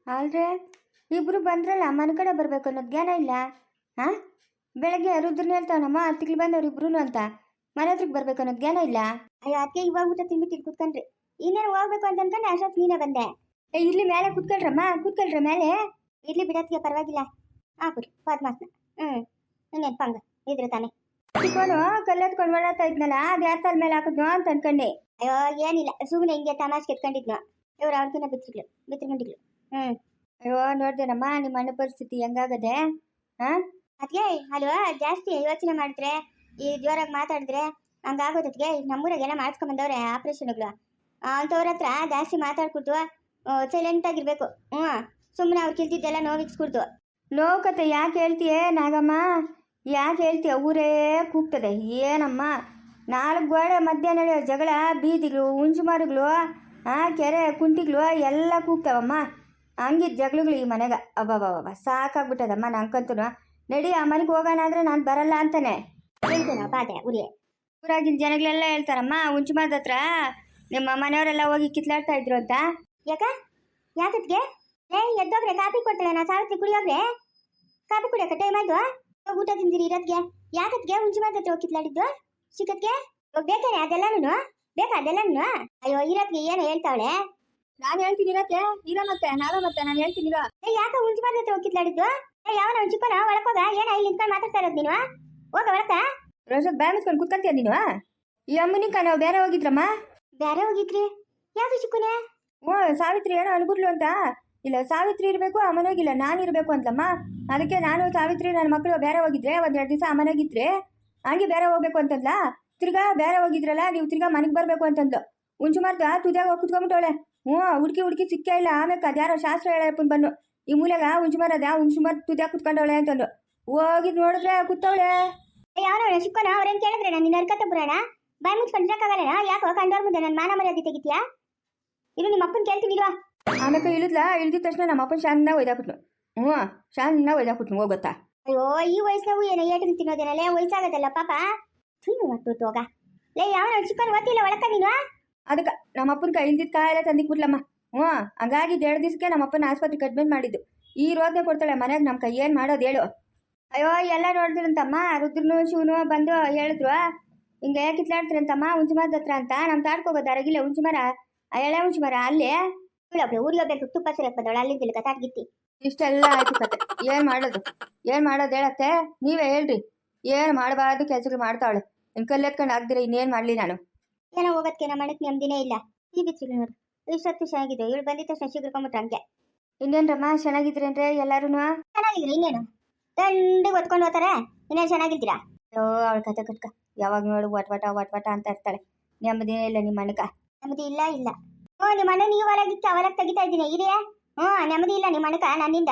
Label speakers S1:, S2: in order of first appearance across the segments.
S1: ಆಲ್ರೆ ಇಬ್ರು ಬಂದ್ರಲ್ಲ ಮನೆ ಕಡೆ ಬರಬೇಕು ಅನ್ನೋದು ಜ್ಞಾನ ಇಲ್ಲ. ಹಾಂ, ಬೆಳಗ್ಗೆ ರುದ್ರನ ಹೇಳ್ತಾವನಮ್ಮ ತಿಂಗಳು ಬಂದವ್ರು ಇಬ್ರು ಅಂತ ಮನೆ ಹತ್ರಕ್ಕೆ ಬರ್ಬೇಕು ಅನ್ನೋದು ಜ್ಞಾನ ಇಲ್ಲ.
S2: ಅಯ್ಯೋ ಅದಕ್ಕೆ ಇವಾಗ ಊಟ ತಿನ್ಬಿಟ್ಟು ಕೂತ್ಕೊಂಡ್ರಿ. ಇನ್ನೇನು ಹೋಗ್ಬೇಕು ಅಂತ ಅನ್ಕೊಂಡು ಅಷ್ಟೊತ್ತು ನೀನೇ ಬಂದೆ.
S1: ಇಲ್ಲಿ ಮೇಲೆ ಕೂತ್ಕೊಳ್ರಮ್ಮ, ಕೂತ್ಕೊಳ್ರ ಮೇಲೆ.
S2: ಇರ್ಲಿ ಬಿಡೋದಕ್ಕೆ ಪರವಾಗಿಲ್ಲ. ಹಾಕ್ಬಿಡಿ ಪಾದ್ಮಾಸ್ನ. ಇನ್ನೇನು ಪಂಗ ಇದ್ರೆ ತಾನೆ.
S1: ಚಿಕ್ಕೋನು ಕಲ್ಲೆತ್ಕೊಂಡು ಓಡಾಡ್ತಾ ಇದ್ನಲ್ಲ ಅದು ಯಾರ ತಲೆ ಮೇಲೆ ಹಾಕಿದ್ನೋ ಅಂತ ಅನ್ಕೊಂಡೆ.
S2: ಅಯ್ಯೋ ಏನಿಲ್ಲ, ಸುಮ್ಮನೆ ಹಿಂಗೆ ತಮಾಷೆ ಕೆತ್ಕೊಂಡಿದ್ನೋ. ಇವ್ರು ಅವ್ರಕಿನ್ನ ಬಿತ್ತರ್ಕೊಂಡಿಗ್ಳು.
S1: ಅಯ್ಯೋ ನೋಡ್ದೇನಮ್ಮ ನಿಮ್ಮ ಅಣ್ಣ ಪರಿಸ್ಥಿತಿ ಹೆಂಗಾಗದೆ. ಹಾಂ
S2: ಅದಕ್ಕೆ ಅಲ್ವಾ ಜಾಸ್ತಿ ಯೋಚನೆ ಮಾಡಿದ್ರೆ ಈ ಜೋರಾಗಿ ಮಾತಾಡಿದ್ರೆ ಹಂಗಾಗೋದಕ್ಕೆ ನಮ್ಮೂರಾಗೆಲ್ಲ ಮಾಡಿಸ್ಕೊಂಬಂದವ್ರೆ ಆಪ್ರೇಷನ್ಗಳು. ಅಂಥವ್ರ ಹತ್ರ ಜಾಸ್ತಿ ಮಾತಾಡ್ಕೊಡ್ತು ಸೈಲೆಂಟಾಗಿರ್ಬೇಕು. ಸುಮ್ಮನೆ ಅವ್ರು ಕಿಲ್ತಿದ್ದೆಲ್ಲ ನೋವಿಕ್ಸ್ಕೊಡ್ತು.
S1: ನೋವು ಕತೆ ಯಾಕೆ ಹೇಳ್ತೀಯೇ ನಾಗಮ್ಮ, ಯಾಕೆ ಹೇಳ್ತೀಯ? ಊರೇ ಕೂಗ್ತದೆ. ಏನಮ್ಮ 4 ಗೋಡೆ ಮಧ್ಯ ನಡೆಯೋ ಜಗಳ, ಬೀದಿಗಳು, ಹುಂಚುಮಾರುಗಳು, ಕೆರೆ ಕುಂಟಿಗಳು ಎಲ್ಲ ಕೂಗ್ತಾವಮ್ಮ. ಹಂಗಿದ್ದು ಜಗಳಗಳು ಈ ಮನೆಗೆ ಅಬ್ಬಬ್ಬಬ್ಬ ಸಾಕಾಗ್ಬಿಟ್ಟದಮ್ಮ. ನಂಗಂತೂ ನಡಿ ಆ ಮನೆಗೆ ಹೋಗೋಣ ಅಂದರೆ ನಾನು ಬರಲ್ಲ ಅಂತಾನೆ
S2: ಹೇಳ್ತೇನೋ ಬಾಧೆ ಉರಿಯೇ.
S1: ಊರಾಗಿನ ಜನಗಳೆಲ್ಲ ಹೇಳ್ತಾರಮ್ಮ ಹುಂಚುಮಾರ್ದ ಹತ್ರ ನಿಮ್ಮ ಮನೆಯವರೆಲ್ಲ ಹೋಗಿ ಕಿತ್ಲಾಡ್ತಾ ಇದ್ರು ಅಂತ.
S2: ಯಾಕತ್ಗೆ ಎದ್ದೋಗ್ರೆ ಕಾಪಿ ಕೊಡ್ತಾಳೆ. ನಾ ಸಾವಿತ್ರಿ ಕುಡಿಯೋಗ್ರೆ ಕಾಪಿ ಕುಡಿಯೋಕೆ ಟೈಮ್ ಆಯ್ತು. ಊಟ ತಿಂದಿರಿ ಇರೋದ್ಗೆ ಯಾಕತ್ಗೆ ಹುಂಚುಮಾರ್ದ ಹತ್ರ ಹೋಗಿ ಕಿತ್ಲಾಡಿದ್ದು ಸಿಕ್ಕತ್ಗೆ ಬೇಕಾರೆ ಅದೆಲ್ಲನೂ ಬೇಕಾ ಅದೆಲ್ಲನೂ. ಅಯ್ಯೋ ಇರೋದ್ಗೆ ಏನು ಹೇಳ್ತಾವಳೆ.
S1: ನಾನು ಹೇಳ್ತೀನಿ ಇರತ್ತೆ ಇರೋ ಮತ್ತೆ ನಾವೇ ಮತ್ತೆ ನಾನು ಹೇಳ್ತೀನಿ ಇರೋ.
S2: ಯಾಕೆ ಹುಂಚುಮಾರ್ದ ಹತ್ರ ಹೋಗಿ ಕಿತ್ಲಾಡಿದ್ದು? ಯಾವನ ಚಿಕ್ಕನ ಒಳಕೋಗ ಏನ ಇಲ್ಲಿ ನಿಂತ್ಕೊಂಡು ಮಾತಾಡ್ತಾ ಇರೋದು ನೀನು? ಹೋಗ ಒಳಕ
S1: ರೋಷಕ್ ಬ್ಯಾ ಮುಚ್ಕೊಂಡು ಕುತ್ಕೊಂತೀಯ ನೀನು. ಈ ಅಮ್ಮನಿಕ ನಾವು ಬೇರೆ ಹೋಗಿದ್ರಮ್ಮ.
S2: ಬೇರೆ ಹೋಗಿದ್ರಿ? ಯಾಕೆ ಚಿಕ್ಕನೆ?
S1: ಸಾವಿತ್ರಿ ಏನೋ ಅನ್ಬಿಟ್ಲು ಅಂತ. ಇಲ್ಲ ಸಾವಿತ್ರಿ ಇರಬೇಕು ಆ ಮನೆಗಿಲ್ಲ ನಾನು ಇರಬೇಕು ಅಂತಲಮ್ಮ. ಅದಕ್ಕೆ ನಾನು ಸಾವಿತ್ರಿ ನನ್ನ ಮಕ್ಕಳು ಬೇರೆ ಹೋಗಿದ್ರೆ 1-2 ದಿವಸ ಆ ಮನೆಗಿದ್ರೆ ಹಂಗೆ ಬೇರೆ ಹೋಗ್ಬೇಕು ಅಂತಂದ್ಲ. ತಿರ್ಗಾ ಬೇರೆ ಹೋಗಿದ್ರಲ್ಲ ನೀವು ತಿರ್ಗಾ ಮನೆಗೆ ಬರಬೇಕು ಅಂತಂದ್ಲು. ಹುಂಚುಮಾರ್ದ ತುದಿಯಾಗ ಹೋಗಿ ಕುತ್ಕೊಂಡ್ಬಿಟ್ಟವಳೆ. ಹುಡುಕಿ ಸಿಕ್ಕೇ ಇಲ್ಲ. ಆಮೇಲೆ ಅದ್ಯಾರೋ ಶಾಸ್ತ್ರ ಹೇಳಪ್ಪನ್ ಬನ್ನು ಈ ಮೂಲೆಗ ಹುಂಚುಮಾರ್ ತುದಿಯಾಗ ಕುತ್ಕೊಂಡವಳೆ ಅಂತಂದು ಹೋಗಿದ್ ನೋಡಿದ್ರೆ ಕೂತವಳೆ.
S2: ಯಾವನ ಚಿಕ್ಕನ ಅವ್ರೇನು ಕೇಳಿದ್ರೆ ನಾನು ನಿನ್ನ ಅರ್ಕತ್ತ ಬರೋಣ ಬಾಯಿ ಮುಚ್ಕೊಂಡ್ರಕ್ಕಾಗಲ್ಲ. ಯಾಕೋ ಕಂಡವ್ರ ಮುಂದೆ ನನ್ನ ಮಾನ ಮರ್ಯಾದೆ ತೆಗಿತೀಯಾ? ಇದು ನಿಮ್ಮ ಅಪ್ಪನ ಕೇಳ್ತೀನಿ ಇಲ್ವಾ?
S1: ಆಮೇಲೆ ಇಳಿದ ತಕ್ಷಣ ನಮ್ಮ ಅಪ್ಪನ ಶಾನ್ನ ಒಯ್ದಾಕ್ಬಿಟ್ನು. ಶಾನ್ನ ಒಯ್ದಾಕ್ಬಿಟ್ನು ಹೋಗುತ್ತಾ.
S2: ಅಯ್ಯೋ ಈ ವಯಸ್ಸಿನಾಗೂ ಏನೋ ಏಟು ತಿನ್ನೋದೇನಲ್ಲೇ ವಯಸ್ಸಾಗತ್ತಲ್ಲ ಪಾಪ. ಸುಮ್ಮನೆ ಮಟ್ಟು ಹೋಗ ಲೇ ಯಾವನ ಚಿಕ್ಕನ ಓದ್ತಿಲ್ಲ ಒಳಕ ನೀನು.
S1: ಅದಕ್ಕೆ ನಮ್ಮ ಅಪ್ಪನ ಕೈ ಇಲ್ದಿದ್ದ ಕಾಯೆಲ್ಲ ತಂದಿಕ್ಬಿಟ್ಲಮ್ಮ. ಹಂಗಾಗಿ 2 ದಿವಸಕ್ಕೆ ನಮ್ಮ ಅಪ್ಪನ ಆಸ್ಪತ್ರೆಗೆ ಅಡ್ಮಿಟ್ ಮಾಡಿದ್ದು. ಈ ರೋದನೆ ಕೊಡ್ತಾಳೆ ಮನೆಗೆ ನಮ್ಮ ಕೈ ಏನು ಮಾಡೋದು ಹೇಳು. ಅಯ್ಯೋ ಎಲ್ಲ ನೋಡಿದ್ರಂತಮ್ಮ. ರುದ್ರನು ಶಿವನು ಬಂದು ಹೇಳಿದ್ರು ಹಿಂಗೆ ಕಿತ್ಲಾಡ್ತಾರಂತಮ್ಮ ಹುಂಚುಮಾರ್ದ ಹತ್ರ ಅಂತ. ನಮ್ಮ ತಾಡ್ಕೋಗೋದು ಅರಗಿಲ್ಲ ಹುಂಚುಮರ ಆ ಎಳೆ ಹುಂಚುಮರ ಅಲ್ಲೇ
S2: ಊರಿಗೆ ಹೋಗ್ಬೇಕು ತುಪ್ಪ ಸರಿಯಕ್ಕೆ ಬಂದವಳು ಅಲ್ಲಿ ತಿಳ್ಕ ತಾಟ್ಗಿತ್ತಿ.
S1: ಇಷ್ಟೆಲ್ಲ ಆಯ್ತು ಕತೆ. ಏನು ಮಾಡೋದು ಹೇಳತ್ತೆ ನೀವೇ ಹೇಳ್ರಿ. ಏನು ಮಾಡಬಾರ್ದು ಕೆಲಸಗಳು ಮಾಡ್ತಾವಳೆ. ಇನ್ನು ಕಲ್ಲೆತ್ಕೊಂಡು ಆಗ್ದಿರ ಇನ್ನೇನು ಮಾಡಲಿ ನಾನು.
S2: ಏನೋ ಹೋಗೋದಕ್ಕೆ ನಮ್ಮ ಮನೆಗೆ ನೆಮ್ಮದಿನೇ ಇಲ್ಲ. ಈ ಬಿಚ್ಚಿಗಳು ನೋಡು ಇಷ್ಟೊತ್ತು ಚೆನ್ನಾಗಿದೆ. ಇವಳು ಬಂದಿದ್ದ ತಕ್ಷಣ ಸಿಗ್ಕೊಂಬಿಟ್ರೆ ಹಂಗೆ.
S1: ಇನ್ನೇನ್ರಮ್ಮ ಚೆನ್ನಾಗಿದ್ರೇನ್ರೆ ಎಲ್ಲರೂ?
S2: ಚೆನ್ನಾಗಿದ್ರಿ ಇನ್ನೇನು ದಂಡಿಗೆ ಹೊತ್ಕೊಂಡು ಹೋಗ್ತಾರೆ. ಇನ್ನೇನು ಚೆನ್ನಾಗಿದ್ದೀರಾ?
S1: ಅಯ್ಯೋ ಅವಳ ಕತೆ ಕಟ್ಕ ಯಾವಾಗ ನೋಡು ವಟ್ ಅಂತ ಇರ್ತಾಳೆ. ನೆಮ್ಮದಿನೇ ಇಲ್ಲ ನಿಮ್ಮ ಮನೆಗ.
S2: ನೆಮ್ಮದಿ ಇಲ್ಲ. ನಿಮ್ಮ ಅಣ್ಣ ನೀವು ಹೊಲಗೆ ತೆಗಿತಾ ಇದ್ದೀನಿ ಇರಿಯೇ. ನೆಮ್ಮದಿ ಇಲ್ಲ ನಿಮ್ಮ ಅಣ್ಣಕ ನನ್ನಿಂದ.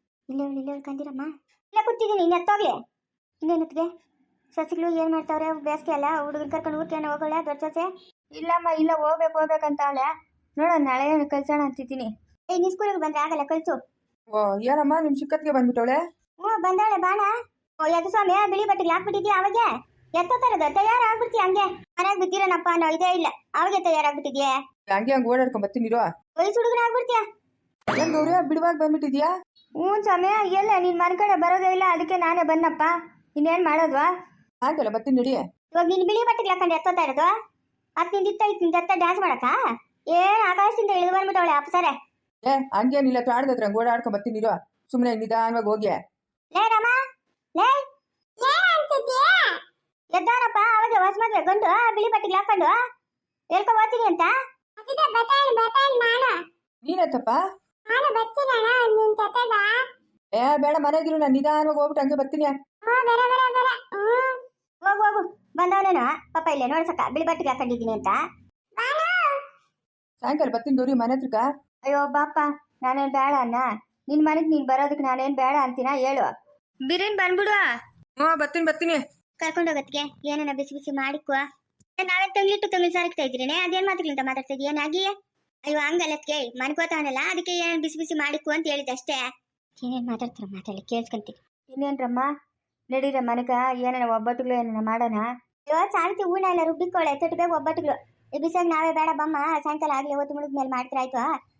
S2: ಇಲ್ಲ ಕಂದಿರಮ್ಮ ಇಲ್ಲ ಕೂತಿದ್ದೀನಿ. ಇನ್ನು ಎತ್ತೋಗ್ಲಿ ಇನ್ನೇನತ್ಗೆ ಸಸಿಗಳು ಏನು ಮಾಡ್ತಾವ್ರೆ? ಬೇಸಿಗೆ ಅಲ್ಲ ಹುಡುಗರು ಕರ್ಕೊಂಡು ಊಟೇನೋ ಹೋಗೋಳ ದೊಡ್ಡ ಸೊಸೆ?
S1: ಇಲ್ಲಮ್ಮ ಇಲ್ಲ ಹೋಗ್ಬೇಕಂತ ಅವಳೆ. ನೋಡೋಣ ನಾಳೆ ಕಳ್ಸೋಣ ಅಂತಿದ್ದೀನಿ.
S2: ನೀ ಸ್ಕೂಲಿಗೆ ಬಂದ್ರೆ ಆಗಲ್ಲ ಕಳ್ಸು.
S3: ಏನಮ್ಮ ನಿಮ್ ಚಿಕ್ಕತ್ಗೆ ಬಂದ್ಬಿಟ್ಟವಳೆ?
S2: ಬಂದಾಳೆ ಬಾಣ. ಎದ್ದು ಸ್ವಾಮಿ ಬಿಳಿ ಬಟ್ಟೆಗೆ ಹಾಕ್ಬಿಟ್ಟಿದ್ಯಾ? ಅವಾಗೆ ಎತ್ತೋತಾರದು ತಯಾರಾಗ್ಬಿಡ್ತೀಯ ಹಂಗೆ. ಮನೆಯಾಗ ಬಿದ್ದಿರೋನಪ್ಪ ಅನ್ನೋ ಇದೇ ಇಲ್ಲ. ಅವಾಗೆ ತಯಾರಾಗ್ಬಿಟ್ಟಿದ್ಯಾ?
S3: ಹಂಗೆ ಓಡಾಡ್ಕೊಂಡ್ ಬರ್ತೀನಿರೋ.
S2: ವಯಸ್ಸು ಹುಡುಗನ ಆಗ್ಬಿಡ್ತೀಯ.
S3: ಏನ್ ಗೌರಿ ಬಿಡುವಾಗ ಬಂದ್ಬಿಟ್ಟಿದ್ಯಾ?
S1: ಸ್ವಾಮಿ ಎಲ್ಲ ನಿನ್ ಮನೆ ಕಡೆ ಬರೋದೇ ಇಲ್ಲ. ಅದಕ್ಕೆ ನಾನೇ ಬನ್ನಪ್ಪ. ಇನ್ನೇನ್ ಮಾಡೋದ್ವಾ?
S3: ಆಗಲ್ಲ ಬರ್ತೀನಿ ನಡಿ.
S2: ಇವಾಗ ನೀನು ಬಿಳಿ ಬಟ್ಟೆಗೆ ಹಾಕೊಂಡು ಎತ್ತೋತಾ ಇರೋದು ಅತ್ ನಿಂದಿತ್ತ ಡ್ಯಾನ್ಸ್ ಮಾಡಕ್ಕ? ಏನ್ ಆಕಾಶದಿಂದ ಇಳಿದು ಬಂದ್ಬಿಟ್ಟವಳೆ ಅಪ್ಸರೆ.
S3: ಹಂಗೇನಿಲ್ಲ ಆಡ್ದತ್ರ ಓಡಾಡ್ಕೊಂಡ್ ಬರ್ತೀನಿರೋ. ಸುಮ್ಮನೆ ನಿಧಾನವಾಗಿ ಹೋಗಿ.
S2: ಲೇ ರಾಮ ಲೇ ಎದ್ದಾನಪ್ಪ. ಅವಾಗ ಹೊಸ ಮದ್ವೆ ಗಂಡು ಬಿಳಿ ಬಟ್ಟೆಗೆ ಹಾಕೊಂಡು ಹೇಳ್ಕೊ ಹೋಗ್ತೀನಿ ಅಂತ.
S3: ನೀನತ್ತಪ್ಪ? ಬೇಡ ಮನೆಗಿರು. ನಾನು ನಿಧಾನವಾಗಿ ಹೋಗ್ಬಿಟ್ಟು ಹಂಗೆ ಬರ್ತೀನಿ.
S2: ಹೋಗು ಬಂದವನೇನು ಪಾಪ ಇಲ್ಲೇ ನೋಡ್ಸಕ್ಕ ಬಿಳಿ ಬಟ್ಟೆಗೆ ಹಾಕೊಂಡಿದ್ದೀನಿ ಅಂತ.
S3: ಸಾಯಂಕಾಲ ಬರ್ತೀನಿ ಗೌರಿ ಮನೆ ಹತ್ರಕ್ಕ.
S1: ಅಯ್ಯೋ ಬಾಪ ನಾನೇನು ಬೇಡ ಅನ್ನ. ನಿನ್ನ ಮನೆಗೆ ನೀನು ಬರೋದಕ್ಕೆ ನಾನೇನು ಬೇಡ ಅಂತೀನ ಹೇಳು. ಬಿರಿಯಾನಿ ಬಂದ್ಬಿಡು.
S3: ಬರ್ತೀನಿ.
S2: ಕರ್ಕೊಂಡೋಗತ್ಗೆ ಏನನ್ನ ಬಿಸಿ ಬಿಸಿ ಮಾಡಿಕೋ. ನಾವೇ ತಂಗ್ಲಿ ಸಾರಿಗ್ತಾ ಇದ್ರೇನೆ ಅದೇನ್ ಮಾತಾಡ್ಲಿಂತ ಮಾತಾಡ್ತಾ ಇದೀಯನಾಗಿ? ಅಯ್ಯೋ ಹಂಗಲ್ಲತ್ಗೆ ಮನ್ಕೋತಾವನಲ್ಲ ಅದಕ್ಕೆ ಏನೇನು ಬಿಸಿ ಬಿಸಿ ಮಾಡಿಕೋ ಅಂತ ಹೇಳಿದೆ ಅಷ್ಟೇ. ಏನೇನು ಮಾತಾಡಿ ಕೇಳಿಸ್ಕೊಂತೀನಿ.
S1: ಇನ್ನೇನ್ರಮ್ಮ ನಡೀರ ಮನೆಗ ಏನೇನ ಒಬ್ಬಟ್ಟುಗಳು ಏನೇನ ಮಾಡೋಣ.
S2: ಅಯ್ಯೋ ಸಾವಿತ್ರಿ ಹೂನ ಎಲ್ಲ ರುಬ್ಬಿಕೊಳ್ಳೆ ತೊಟ್ಟು ಬೇಗ ಒಬ್ಬಟ್ಟುಗಳು. ಈ ಬಿಸಿಯಾಗ ನಾವೇ ಬೇಡ ಬಮ್ಮ ಸಾಯಂಕಾಲ ಆಗ್ಲಿ ಹೊತ್ತು ಮುಳುಗ್ ಮೇಲೆ ಮಾಡ್ತಿರಾಯ್ತು.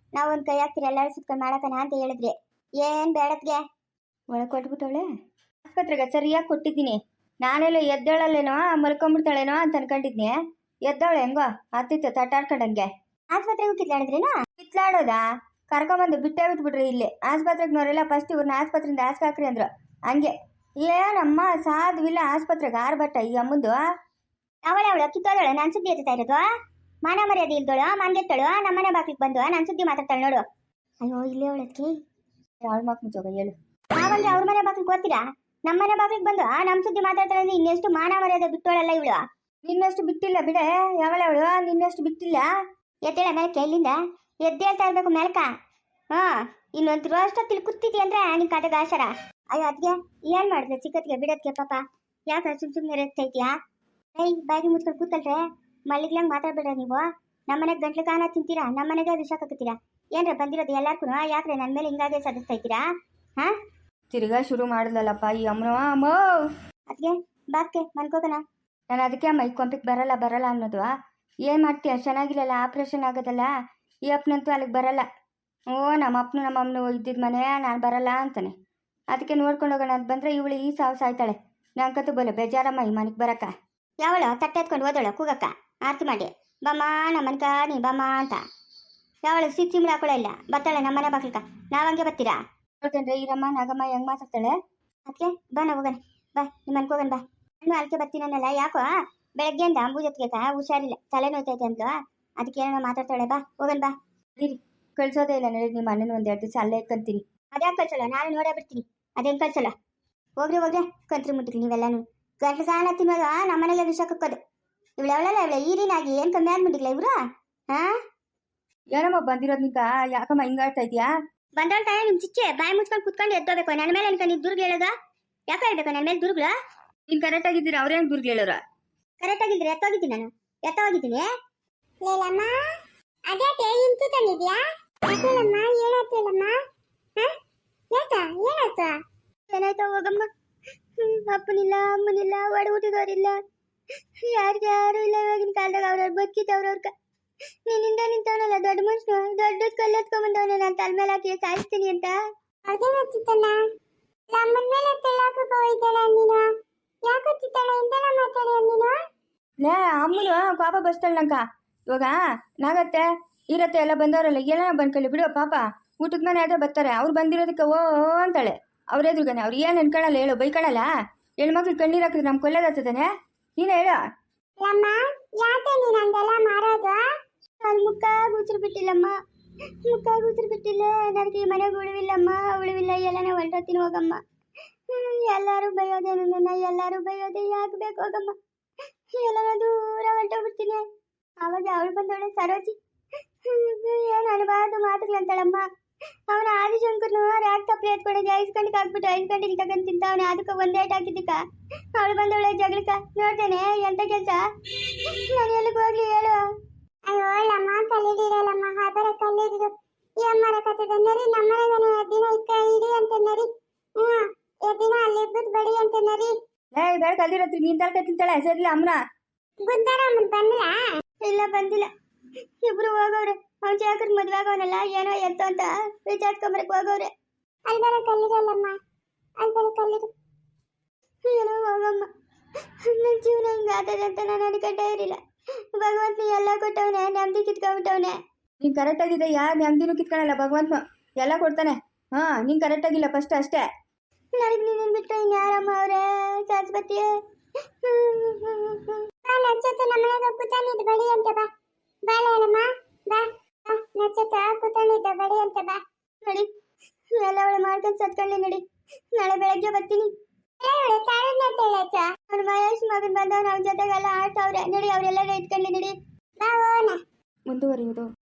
S2: ನಾವು ಒಂದು ಕೈ ಹಾಕ್ತೀರಿ ಎಲ್ಲರೂ ಸುತ್ಕೊಂಡು ಮಾಡಕನ ಅಂತ ಹೇಳಿದ್ರಿ. ಏನು ಬೇಡತ್ಗೆ
S1: ಒಳಗೆ ಕೊಟ್ಬಿಟ್ಟವಳೆ ಆಸ್ಪತ್ರೆಗೆ ಸರಿಯಾಗಿ ಕೊಟ್ಟಿದ್ದೀನಿ. ನಾನೆಲ್ಲ ಎದ್ದೇಳಲ್ಲೇನೋ ಮಲ್ಕೊಂಡ್ಬಿಡ್ತಾಳೇನೋ ಅಂತ ಅನ್ಕೊಂಡಿದ್ನಿ. ಎದ್ದವಳೆ ಹೆಂಗೋ ಹತ್ತಿತ್ತು ತಟ್ಟಾಡ್ಕೊಂಡಂಗೆ.
S2: ಆಸ್ಪತ್ರೆಗೆ ಕಿತ್ಲಾಡಿದ್ರೇನೋ?
S1: ಕಿತ್ಲಾಡೋದಾ? ಕರ್ಕೊಂಬಂದು ಬಿಟ್ಟೇ ಬಿಟ್ಬಿಟ್ರಿ ಇಲ್ಲಿ ಆಸ್ಪತ್ರೆಗೆ ಫಸ್ಟ್ ಇವ್ರನ್ನ ಆಸ್ಪತ್ರೆಯಿಂದ ಹಾಕ್ರಿ ಅಂದ್ರು. ಹಂಗೆ ಏನಮ್ಮ ಸಾಧುವಿಲ್ಲ ಆಸ್ಪತ್ರೆಗೆ ಆರ್ಭಟ ಈ ಅಮ್ಮಂದು.
S2: ಅವಳು ಕಿತ್ತೋದಳು ನಾನು ಸುದ್ದಿ ಎತ್ತಾ ಇರೋದು. ಮಾನ ಮರ್ಯಾದೆ ಇಲ್ದೋಳು ಮಂಗೆತ್ತಳು ನಮ್ಮನೆ ಬಾಕ್ಲಿಗೆ ಬಂದು ನಾನು ಸುದ್ದಿ ಮಾತಾಡ್ತಾಳೆ ನೋಡು. ಅಯ್ಯೋ ಇಲ್ಲೇ ಅವಳಕ್ಕೆ
S1: ಯಾಳ್ ಮಕ್ ಮುಚ್ಚೋಗ ಹೇಳು.
S2: ನಾವಂದ್ರೆ ಅವ್ರ ಮನೆ ಬಾಕ್ಲಿಗೆ ಓದ್ತೀರಾ? ನಮ್ಮನೆ ಬಾಕ್ಲಿಗೆ ಬಂದು ನಮ್ಮ ಸುದ್ದಿ ಮಾತಾಡ್ತಾಳೆ ಅಂದ್ರೆ ಇನ್ನೆಷ್ಟು ಮಾನ ಮರ್ಯಾದೆ ಬಿಟ್ಟೋಳಲ್ಲ ಇವಳು.
S1: ನಿನ್ನಷ್ಟು ಬಿಟ್ಟಿಲ್ಲ ಬಿಡೆ ಯಾವಳೆ ಅವಳು, ನಿನ್ನಷ್ಟು ಬಿಟ್ಟಿಲ್ಲ.
S2: ಎದ್ದೇಳ ಮೇಲಕ್ಕೆ ಇಲ್ಲಿಂದ ಎದ್ದೇಳ್ತಾ ಇರ್ಬೇಕು ಮೇಲ್ಕ. ಇನ್ನೊಂದು ರೋಷ್ಟೊತ್ತಿಲ್ಲಿ ಕೂತಿದ್ದಿ ಅಂದ್ರೆ ನಿನ್ ಕತೆಗೆ ಆಶರ. ಅಯ್ಯೋ ಅದ್ಗೆ ಏನ್ ಮಾಡಿದ್ರೆ ಚಿಕ್ಕತ್ಗೆ ಬಿಡತ್ಗೆ ಪಾಪ ಯಾಕೆ ಸುಮ್ಮನೆ ರೇಗ್ತೈತಿಯಾ? ಏಯ್ ಬಾಗಿ ಮುಚ್ಕೊಂಡು ಕೂತಲ್ರೆ ಮಲ್ಲಿಗ್ಲಂಗೆ ಮಾತಾಡ್ಬೇಡ್ರ ನೀವು. ನಮ್ಮನೆಗೆ ಗಂಟ್ಲು ಕಾನ ತಿಂತೀರಾ, ನಮ್ಮನೆಗೆ ವಿಷ ಹಾಕತ್ತೀರಾ. ಏನ್ರ ಬಂದಿರೋದು ಎಲ್ಲಾರ್ಗೂ ಯಾಕ್ರೆ ನನ್ನ ಮೇಲೆ ಹಿಂಗಾಗೆ ಸದಿಸ್ತಾ ಹಾ?
S1: ತಿರ್ಗಾ ಶುರು ಮಾಡಿದ್ಲಲ್ಲಪ್ಪ ಈ ಅಮ್ಮನ. ಅಮ್ಮ
S2: ಅದ್ಗೆ ಬಾಕ್ಕೆ ಮನ್ಕೋಕನ.
S1: ನಾನು ಅದಕ್ಕೆ ಅಮ್ಮ ಈ ಕೊಂಪಿಗೆ ಬರಲ್ಲ ಅನ್ನೋದು. ಏನು ಮಾಡ್ತೀಯ, ಚೆನ್ನಾಗಿಲ್ಲಲ್ಲ ಆಪ್ರೇಷನ್ ಆಗೋದಲ್ಲ. ಈ ಅಪ್ಪನಂತೂ ಅಲ್ಲಿಗೆ ಬರಲ್ಲ. ನಮ್ಮ ಅಮ್ಮನು ಇದ್ದಿದ್ದ ಮನೆ ನಾನು ಬರಲ್ಲ ಅಂತಾನೆ. ಅದಕ್ಕೆ ನೋಡ್ಕೊಂಡು ಹೋಗೋಣ ಅಂತ ಬಂದರೆ ಇವಳು ಈ ಸಾಯ್ತಾಳೆ. ನಂಗಂತೂ ಬೋಲೆ ಬೇಜಾರಮ್ಮ ಈ ಮನೆಗೆ ಬರಕ್ಕ.
S2: ಯಾವಳು ತಟ್ಟೆ ಎತ್ಕೊಂಡು ಓದೋಳು ಕೂಗಕ್ಕ ಆರ್ತಿ ಮಾಡಿ ಬಮ್ಮ ನಮ್ಮನ್ಕ ನೀ ಬಮ್ಮ ಅಂತ. ಯಾವಳು ಸಿಮ್ಳು ಹಾಕೊಳ್ಳೋ ಇಲ್ಲ ಬರ್ತಾಳೆ ನಮ್ಮನೆ ಬಾಕ್ಲಿಕ. ನಾವಂಗೆ ಬರ್ತೀರಾ?
S1: ನೋಡ್ಕೊಂಡ್ರೆ ಈರಮ್ಮ ನಾಗಮ್ಮ ಹೆಂಗೆ ಮಾತಾಡ್ತಾಳೆ.
S2: ಅದಕ್ಕೆ ಬಾ ನಾವು ಹೋಗೋಣ ಬಾ ನಿಮ್ಮ ಅನ್ಕೋಗಣ ಬಾ. ನಾನು ಅಲ್ಕೆ ಬರ್ತೀನಲ್ಲ ಯಾಕೋ ಬೆಳಗ್ಗೆಯಿಂದ ಅಂಬೂಜತ್ಗೆ ಹುಷಾರಿಲ್ಲ ತಲೆ ನೋಯ್ತೈತೆ ಅಂದ್ಲು. ಅದಕ್ಕೆ ಏನೋ ಮಾತಾಡ್ತಾಳೆ ಬಾ ಹೋಗೋಣ ಬಾ.
S1: ಕಳ್ಸೋದೇ ಇಲ್ಲ ನಡಿ. ನಿಮ್ಮ ಅಣ್ಣನ ಒಂದೆರಡು ದಿವಸ ಅಲ್ಲೇ ಇಟ್ಕೊಂತೀನಿ.
S2: ಅದ್ಯಾಕೆ ಕಳ್ಸಲ್ಲ? ನಾನು ನೋಡೇ ಬಿಡ್ತೀನಿ. ಅದೇನು ಕಳ್ಸಲ್ಲ. ಹೋಗ್ರಿ ಕಂತ್ರಿ ಮುಟ್ಟಿರಿ ನೀವೆಲ್ಲಾನು. ಗಂಟಲು ಸಾಲ ತಿನ್ನೋದು ನಮ್ಮನೆಲ್ಲ ವಿಷ ಕಕ್ಕೋದು. ಇವಳೆವಳೆಲ್ಲ ಇವಳೆ ಈರಿನಾಗಿ ಏನು ಕಮ್ಮಿ ಆಗ್ಬಿಟ್ಟಿಲ್ಲ ಇವ್ರು.
S1: ಏನಮ್ಮ ಬಂದಿರೋದು ನಿಂಕ ಯಾಕಮ್ಮ ಹಿಂಗಾಡ್ತಾ ಇದೆಯಾ?
S2: ಬಂದವಳ ತಾನೇ ನಿಮ್ಮ ಚಿಚ್ಚೆ ಬಾಯಿ ಮುಚ್ಕೊಂಡು ಕುತ್ಕೊಂಡು ಎದ್ದೋಬೇಕು. ನನ್ನ ಮೇಲೆ ಅನ್ಕೊಂಡು ನೀವು ದುರ್ಗ ಹೇಳೋದ? ಯಾಕೆ ಹೇಳ್ಬೇಕು ನನ್ನ ಮೇಲೆ ದುರ್ಗ್ಲ?
S1: ನೀನು ಕರೆಕ್ಟ್ ಆಗಿದ್ದೀರಾ ಅವ್ರೇನು ದುರ್ಗ ಹೇಳೋರ?
S2: ಕರೆಕ್ಟ್ ಆಗಿದ್ರೆ ಎತ್ತೋಗಿದ್ದೀನಿ ನಾನು ಎತ್ತೋಗಿದ್ದೀನಿ. ಲೇಲಮ್ಮ ಅದ್ಯಾಕೆ ಇಂತು ತಂದಿದ್ಯಾ? ಯಾಕೇಳಮ್ಮ ಏನಾಯ್ತು ಹೇಳಮ್ಮ? ಏನಾಯ್ತು? ಏನಾಯ್ತು ಹೋಗಮ್ಮ. ಅಪ್ಪನಿಲ್ಲ ಅಮ್ಮನಿಲ್ಲ ಒಡ ಊಟದವ್ರಿಲ್ಲ ಯಾರು ಇಲ್ಲ. ಇವಾಗಿನ ಕಾಲದಾಗ ಅವ್ರವ್ರು ಬದುಕಿದ್ದವ್ರವ್ರಕ ನಿನ್ನಿಂದ ನಿಂತವನಲ್ಲ ದೊಡ್ಡ ಮನುಷ್ಯನು ದೊಡ್ಡ ಕಲ್ಲೆತ್ಕೊಂಡ್ಬಂದವನ ನಾನು ತಲೆ ಮೇಲೆ ಹಾಕಿ ಸಾಯಿಸ್ತೀನಿ ಅಂತ. ಅದೇನತ್ತಿತ್ತಣ್ಣ ನಮ್ಮನ ಮೇಲೆ ತೆಳ್ಳಾಕಕ್ಕೆ ಹೋಯ್ತಲ್ಲ ನೀನು. ಯಾಕತ್ತಿತ್ತಣ್ಣ ಇಂದೆಲ್ಲ ಮಾತಾಡಿ ನೀನು?
S1: ಲೇ ಅಮ್ಮನು ಪಾಪ ಬಸ್ತಾಳೆ ನಂಕ. ಇವಾಗ ನಾಗತ್ತೆ ಇರತ್ತೆ ಎಲ್ಲ ಬಂದವರಲ್ಲ ಎಲ್ಲ ಬಂದ್ಕೊಳ್ಳಿ ಬಿಡು ಪಾಪ. ಊಟದ ಮನೆ ಆದ್ರೆ ಬರ್ತಾರೆ. ಅವ್ರು ಬಂದಿರೋದಕ್ಕೆ ಓ ಅಂತಾಳೆ. ಅವ್ರೆದ್ರುಗಾನೆ ಅವ್ರು ಏನು ಅನ್ಕೊಳಲ್ಲ ಹೇಳು, ಬೈಕೊಳಲ್ಲ. ಹೆಣ್ಮಕ್ಳು ಕಣ್ಣೀರು ಹಾಕಿದ್ರೆ ನಮ್ಗೆ ಕೊಲ್ಲದಾಗ್ತದಾನೆ. ನೀನು ಹೇಳು.
S2: ಅಮ್ಮ ಯಾಕೆ ನೀನು ಹಂಗೆಲ್ಲ ಮಾರೋದು? ಅಲ್ಲಿ ಮುಖ ಗುಜ್ರು ಬಿಟ್ಟಿಲ್ಲಮ್ಮ. ಮುಖ ಗುಜ್ರು ಬಿಟ್ಟಿಲ್ಲ. ನನಗೆ ಈ ಮನೆಗೆ ಉಳಿವಿಲ್ಲಮ್ಮ ಉಳಿವಿಲ್ಲ. ಎಲ್ಲ ನಾವು ಹೊರಟೋತೀನಿ ಹೋಗಮ್ಮ. ಎಲ್ಲರೂ ಬೈಯೋದೆ ನನ್ನ ಎಲ್ಲರೂ ಬೈಯೋದೆ ಯಾಕೆ ಬೇಕು ಹೋಗಮ್ಮ. ಎಲ್ಲ ದೂರ ಹೊರಟೋಗ್ಬಿಡ್ತೀನಿ. ಆವಾಗ ಅವಳು ಬಂದವಳೆ ಸರೋಜಿ. ಏನು ಅನ್ಬಾರ್ದು ಮಾತುಗಳಂತಾಳಮ್ಮ. ಅವನ ಆದಿಶಂಕರ್ನು ರ್ಯಾಕ್ ತಪ್ಪಲೆ ಎತ್ಕೊಂಡೋಗಿ 5 ಗಂಟೆಗೆ ಹಾಕ್ಬಿಟ್ಟು 5 ಗಂಟೆಗೆ ತಗೊಂಡು ತಿಂತಾವನೆ. ಅದಕ್ಕೆ ಒಂದೇ ಏಟ್ ಹಾಕಿದ್ದಕ್ಕ ಅವಳು ಬಂದವಳೆ ಜಗಳಕ್ಕ. ನೋಡ್ತೇನೆ ಎಂತ ಕೆಲಸ. ನಾನು ಎಲ್ಲಿಗೆ ಹೋಗ್ಲಿ ಹೇಳು? ಅಯ್ಯೋ ಅಮ್ಮ ಕಲ್ಲಿಡಿರಲ್ಲಮ್ಮ ಅದರ ಕಲ್ಲಿಡಿರು ಈ ಅಮ್ಮರ ಕಥದ ನರಿ ನಮ್ಮನೆಗನೆ ದಿನ ಇಕ್ಕ ಇಡಿ ಅಂತ ನರಿ. ದಿನ ಅಲ್ಲಿ ಇಬ್ಬರು ಬಡಿ ಅಂತ ನರಿ.
S1: ಬೇಡ ಕಲ್ದಿರತ್ರಿ ನೀನ್ ತಲೆ ತಿಂತಾಳೆ ಸರಿಲ್ಲ ಅಮ್ಮನ.
S2: ಗುದ್ದಾರಮ್ಮನ್ ಬಂದಿಲ್ಲ? ಇಲ್ಲ ಬಂದಿಲ್ಲ. ಇಬ್ರು ಹೋಗವ್ರೆ. ಅವ್ನ ಜಾಕರ್ ಮದ್ವೆ ಆಗವನಲ್ಲ ಏನೋ ಎತ್ತು ಅಂತ ವಿಚಾರಿಸ್ಕೊಂಬರಕ್ ಹೋಗವ್ರೆ. ಅಲ್ಲಿ ಬರೋ ಕಲ್ಲಿರಲ್ಲಮ್ಮ ಅಲ್ಲಿ ಬರೋ ಕಲ್ಲಿರು ಏನೋ ಹೋಗಮ್ಮ. ನನ್ನ ಜೀವನ ಹಿಂಗಾಗ್ತದೆ ಅಂತ ನಾನು ಅನ್ಕೊಂಡೇ ಇರಲಿಲ್ಲ. ಭಗವಂತ ಎಲ್ಲ ಕೊಟ್ಟವನೆ ನೆಮ್ಮದಿ ಕಿತ್ಕೊಂಡ್ಬಿಟ್ಟವನೆ.
S1: ನೀನ್ ಕರೆಕ್ಟ್ ಆಗಿದೆ ಯಾರು ನೆಮ್ಮದಿನೂ ಕಿತ್ಕೊಳ್ಳಲ್ಲ ಭಗವಂತ ಎಲ್ಲ ಕೊಡ್ತಾನೆ. ನೀನ್ ಕರೆಕ್ಟ್ ಆಗಿಲ್ಲ ಫಸ್ಟ್ ಅಷ್ಟೇ.
S2: ನನಗೆ ನೀನು ಬಿಟ್ಟು ಇನ್ಯಾರಮ್ಮ ಅವರೇ ಸರಸ್ವತಿ. ನಚ್ಚತ್ತ ನಮ್ಮನೆಗೆ ಕೂತಾನಿದ್ದು ಬಡಿ ಅಂತ ಬಾ ಬಾಳಮ್ಮ ಬಾ ನಚ್ಚತ್ತ ಕೂತಾನಿದ್ದ ಬಡಿ ಅಂತ ಬಾ. ನಡಿ ಎಲ್ಲ ಅವಳು ಮಾಡ್ಕೊಂಡು ಸತ್ಕೊಳ್ಳಿ ನಡಿ. ನಾಳೆ ಬೆಳಗ್ಗೆ ಬರ್ತೀನಿ. ಅವ್ನು ಮಹೇಶ್ ಮಗನ್ ಬಂದವ್ ಅವ್ನ ಜೊತೆಗೆಲ್ಲ ಆಡ್ತಾವ್ರೆ ನಡಿ. ಅವರೆಲ್ಲ ಇಟ್ಕೊಳ್ಳಿ ನಡಿ ಬಾ.
S1: ಮುಂದುವರಿಯುವುದು